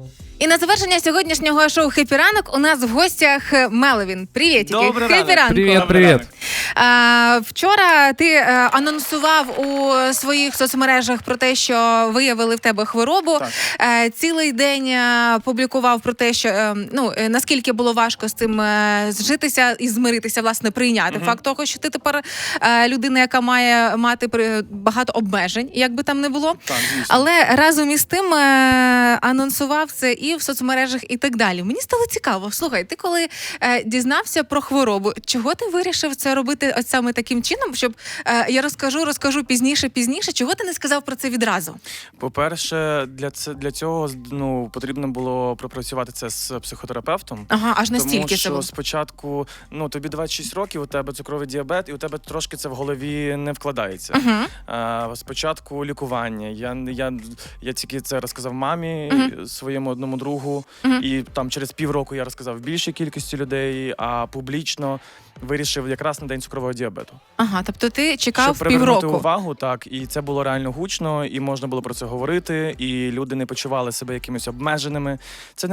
І на завершення сьогоднішнього шоу «Хеппі ранок» у нас в гостях Меловін. Привітики. Добрий ранок. «Хеппі ранку». Привіт. Вчора ти анонсував у своїх соцмережах про те, що виявили в тебе хворобу. Цілий день публікував про те, що наскільки було важко з цим зжитися і змиритися, власне, прийняти факт того, що ти тепер людина, яка має мати багато обмежень, як би там не було. Так, але разом із тим анонсував це і в соцмережах, і так далі. Мені стало цікаво. Слухай, ти коли дізнався про хворобу, чого ти вирішив це робити ось саме таким чином, щоб я розкажу пізніше, чого ти не сказав про це відразу? По-перше, для цього потрібно було пропрацювати це з психотерапевтом. Ага, аж настільки тому, це що було? Спочатку, тобі 26 років, у тебе цукровий діабет, і у тебе трошки це в голові не вкладається. Спочатку лікування. Я тільки це розказав мамі, своєму одному другу, і там через півроку я розказав більшій кількості людей, а публічно вирішив якраз на день цукрового діабету. Ага, тобто ти чекав щоб привернути півроку. увагу, так, і це було реально гучно, і можна було про це говорити, і люди не почували себе якимись обмеженими. Це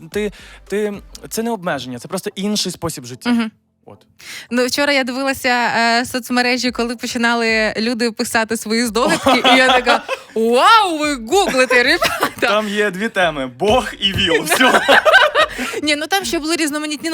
не обмеження, це просто інший спосіб життя. От. Вчора я дивилася соцмережі, коли починали люди писати свої здогадки, і я така: вау, ви гуглите, ребята! Там є дві теми: Бог і ВІЛ. Все. Ні, там ще були різноманітні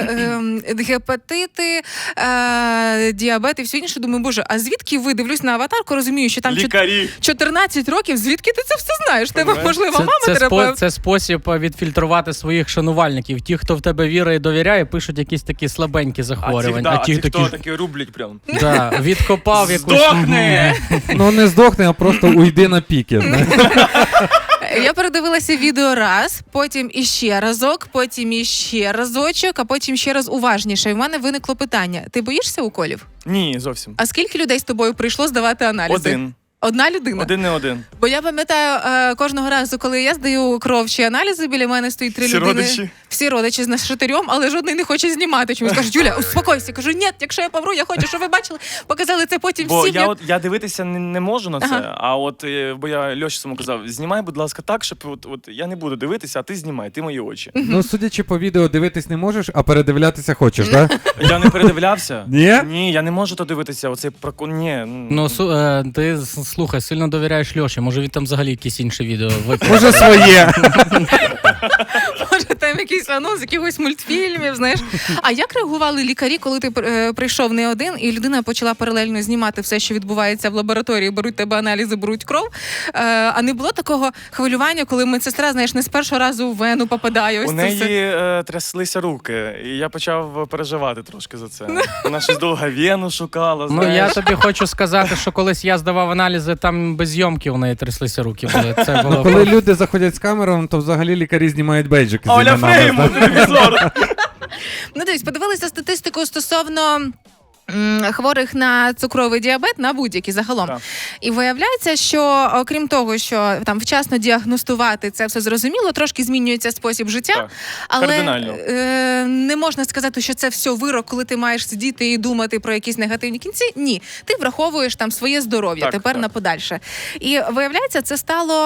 гепатити, діабет і все інше. Думаю, боже, а звідки ви? Дивлюсь на аватарку, розумію, що там Лікарі. 14 років, звідки ти це все знаєш? Тебе, можливо, мама терапевт? Це спосіб відфільтрувати своїх шанувальників. Ті, хто в тебе вірить і довіряє, пишуть якісь такі слабенькі захворювання. А ті, хто такі рублять прям. Да, відкопав якусь... Здохни! Не здохни, а просто уйди на піки. Я передивилася відео раз, потім іще разок, потім іще разочок, а потім ще раз уважніше. І в мене виникло питання: ти боїшся уколів? Ні, зовсім. А скільки людей з тобою прийшло здавати аналізи? Один. Одна людина? Один не один. Бо я пам'ятаю, кожного разу, коли я здаю кров чи аналізи, біля мене стоїть 3 людини. Родичі? Всі родичі з нас 4, але жодний не хоче знімати. Чомусь кажуть: Юля, успокойся. Кажу: ні, якщо я помру, я хочу, щоб ви бачили. Показали це потім Бо всім. я дивитися не можу на це, бо я Льоші самому казав: знімай, будь ласка, так, щоб от я не буду дивитися, а ти знімай, ти мої очі. Судячи по відео, дивитись не можеш, а передивлятися хочеш, так? Я не передивлявся. Ні? Ні, я не можу то дивитися, оцей ні. Ти, слухай, сильно довіряєш Льоші, може він там взагалі якісь інші відео виклав. Може своє. Може там якийсь анонс якихось мультфільмів, знаєш. А як реагували лікарі, коли ти прийшов не один, і людина почала паралельно знімати все, що відбувається в лабораторії, беруть тебе аналізи, беруть кров? А не було такого хвилювання, коли медсестра, знаєш, не з першого разу в вену попадає? Ось у неї тряслися руки, і я почав переживати трошки за це. Вона щось довго вену шукала, знаєш. Я тобі хочу сказати, що колись я здавав аналізи, там без зйомки у неї тряслися руки були. Це було Коли люди заходять з камерами, то взагалі лікарі знімають бейджики. Оля Фрейму, телевізор! Дивись, подивилися статистику стосовно хворих на цукровий діабет, на будь-які загалом. Так. І виявляється, що окрім того, що там вчасно діагностувати, це все зрозуміло, трошки змінюється спосіб життя, Так. але Кардинально. не можна сказати, що це все вирок, коли ти маєш сидіти і думати про якісь негативні кінці. Ні, ти враховуєш там своє здоров'я тепер на подальше. І виявляється, це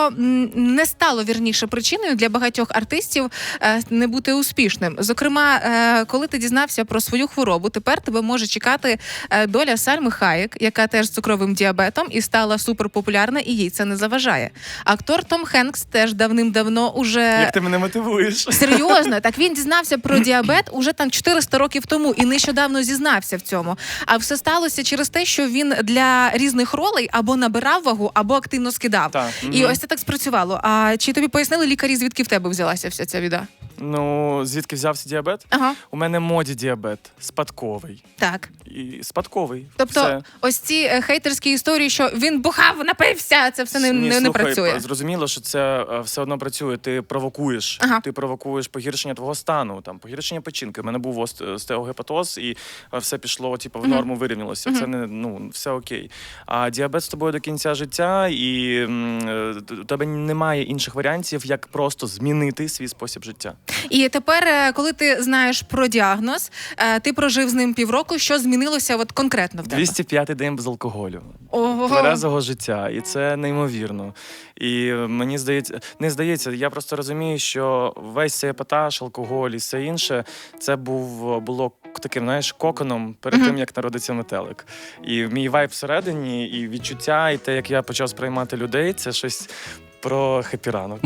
не стало вірніше причиною для багатьох артистів не бути успішним. Зокрема, коли ти дізнався про свою хворобу, тепер тебе може чекати доля Сальми Хаєк, яка теж з цукровим діабетом і стала суперпопулярна, і їй це не заважає. Актор Том Хенкс теж давним-давно уже... Як ти мене мотивуєш? Серйозно, так він дізнався про діабет уже там 400 років тому і нещодавно зізнався в цьому. А все сталося через те, що він для різних ролей або набирав вагу, або активно скидав. Так. І ось це так спрацювало. А чи тобі пояснили лікарі, звідки в тебе взялася вся ця біда? Звідки взявся діабет? Ага. У мене моді діабет, спадковий. Так. І спадковий. Тобто все. ось ці хейтерські історії, що він бухав, напився, це все не Слухай, працює. Зрозуміло, що це все одно працює. Ти провокуєш. Ага. Ти провокуєш погіршення твого стану, там погіршення печінки. У мене був остеогепатоз, і все пішло, в норму вирівнялося. Це все окей. А діабет з тобою до кінця життя, і у тебе немає інших варіантів, як просто змінити свій спосіб життя. І тепер, коли ти знаєш про діагноз, ти прожив з ним півроку, що змінилося от конкретно в тебе? 205-й день без алкоголю. Ого. Тверезого життя. І це неймовірно. І мені здається, я просто розумію, що весь цей епатаж, алкоголь і все інше, це було таким, знаєш, коконом перед тим, як народиться метелик. І мій вайб всередині, і відчуття, і те, як я почав сприймати людей, це щось про хеппі-ранок.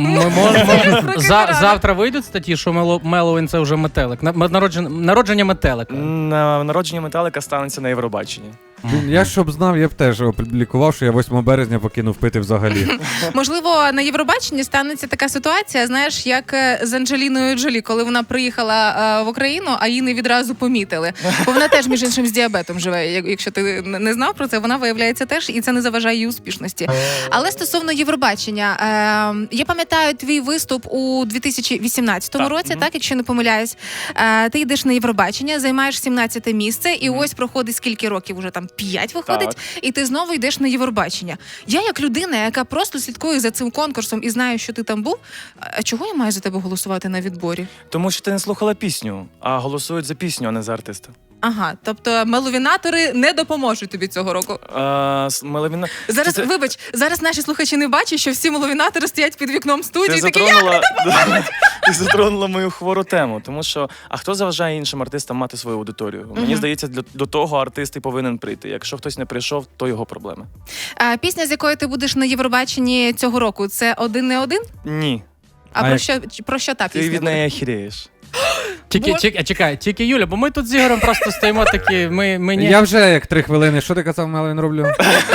Завтра вийдуть статті, що Меловін це вже метелик. Народження метелика. На народження метелика станеться на Євробаченні. Я щоб знав, я б теж опублікував, що я 8 березня покинув пити взагалі. Можливо, на Євробаченні станеться така ситуація, знаєш, як з Анджеліною Джолі, коли вона приїхала в Україну, а її не відразу помітили. Бо вона теж, між іншим, з діабетом живе. Якщо ти не знав про це, вона виявляється теж, і це не заважає її успішності. Але стосовно Євробачення, я пам'ятаю твій виступ у 2018 році, так, якщо не помиляюсь. Ти йдеш на Євробачення, займаєш 17-те місце, і ось проходить скільки років уже там 5 виходить, Так. і ти знову йдеш на Євробачення. Я як людина, яка просто слідкує за цим конкурсом і знаю, що ти там був, а чого я маю за тебе голосувати на відборі? Тому що ти не слухала пісню, а голосують за пісню, а не за артиста. Ага, тобто меловінатори не допоможуть тобі цього року. Зараз, Вибач, зараз наші слухачі не бачать, що всі меловінатори стоять під вікном студії. Ти затронула мою хвору тему, тому що, а хто заважає іншим артистам мати свою аудиторію? Мені здається, до того артист і повинен прийти. Якщо хтось не прийшов, то його проблеми. Пісня, з якою ти будеш на Євробаченні цього року, це «Один не один»? Ні. Про що та пісня? Ти від неї охіреєш. Чекай, тільки Юля, бо ми тут з Ігорем просто стоїмо такі, ми Я вже як 3 хвилини. Що ти казав, Меловін, роблю?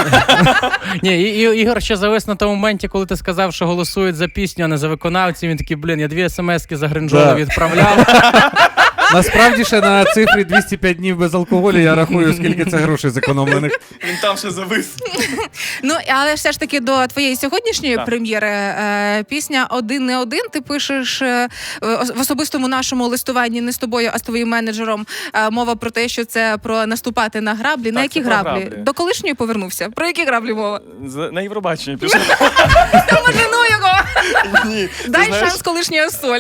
Ні, Ігор ще завис на тому моменті, коли ти сказав, що голосують за пісню, а не за виконавців. Він такий, я 2 смс-ки за Гринджола відправляв. Насправді ще на цифрі 205 днів без алкоголю я рахую, скільки це грошей зекономлених. Він там ще завис. Ну, але все ж таки до твоєї сьогоднішньої прем'єри пісня «Один не один» ти пишеш в особистому нашому листуванні не з тобою, а з твоїм менеджером. Мова про те, що це про наступати на граблі. На які граблі? До колишньої повернувся? Про які граблі мова? На Євробаченні пішов. Можливо його! Ні. Дай шанс колишньої соль.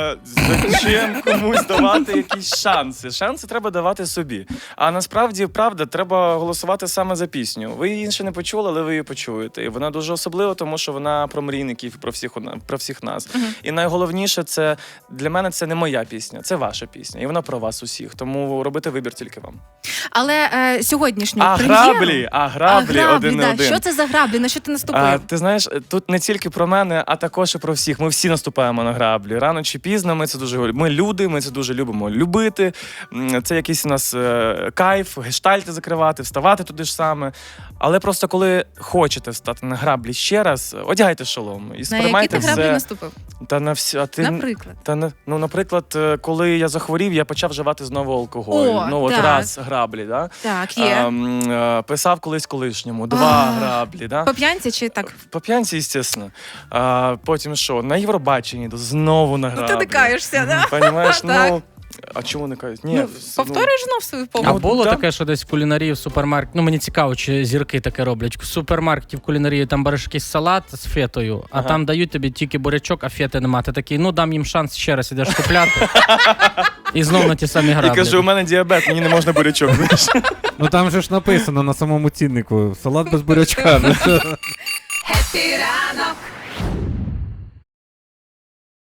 Зачем комусь давати якісь шанси? Шанси треба давати собі. А насправді, правда, треба голосувати саме за пісню. Ви її інше не почули, але ви її почуєте. І вона дуже особлива, тому що вона про мрійників, про всіх нас. І найголовніше, це для мене це не моя пісня, це ваша пісня. І вона про вас усіх. Тому робити вибір тільки вам. Але сьогоднішню прем'єру... граблі, один не один. Що це за граблі? На що ти наступив? Ти знаєш, тут не тільки про мене, а також і про всіх. Ми всі наступаємо на граблі. Рано чи пізно ми це дуже любимо. Ми люди, ми це дуже любимо любити. Це якийсь у нас кайф, гештальти закривати, вставати туди ж саме. Але просто коли хочете встати на граблі ще раз, одягайте шолом. І на які ти граблі наступив? Та на всі, Наприклад? Наприклад, коли я захворів, я почав вживати знову алкоголь. Раз граблі, да? Так, є. Писав колись колишньому, 2 граблі, да? По п'янці чи так? По п'янці, звісно. Потім що? На Євробаченні, знову на граблі. Ну ти не каєшся, да? Понімаєш? Так. А чому не кажуть? Ні, повторюєш знов свою помилку. А було таке, що десь в кулінарії в супермаркеті, мені цікаво, чи зірки таке роблять. В супермаркеті в кулінарії там береш якийсь салат з фетою, а там дають тобі тільки бурячок, а фети нема. Ти такий, дам їм шанс ще раз ідеш купляти. І знов на ті самі граблі. І кажу, у мене діабет, мені не можна бурячок. Ну там же ж написано на самому ціннику, салат без бурячка. Хеппі ранок!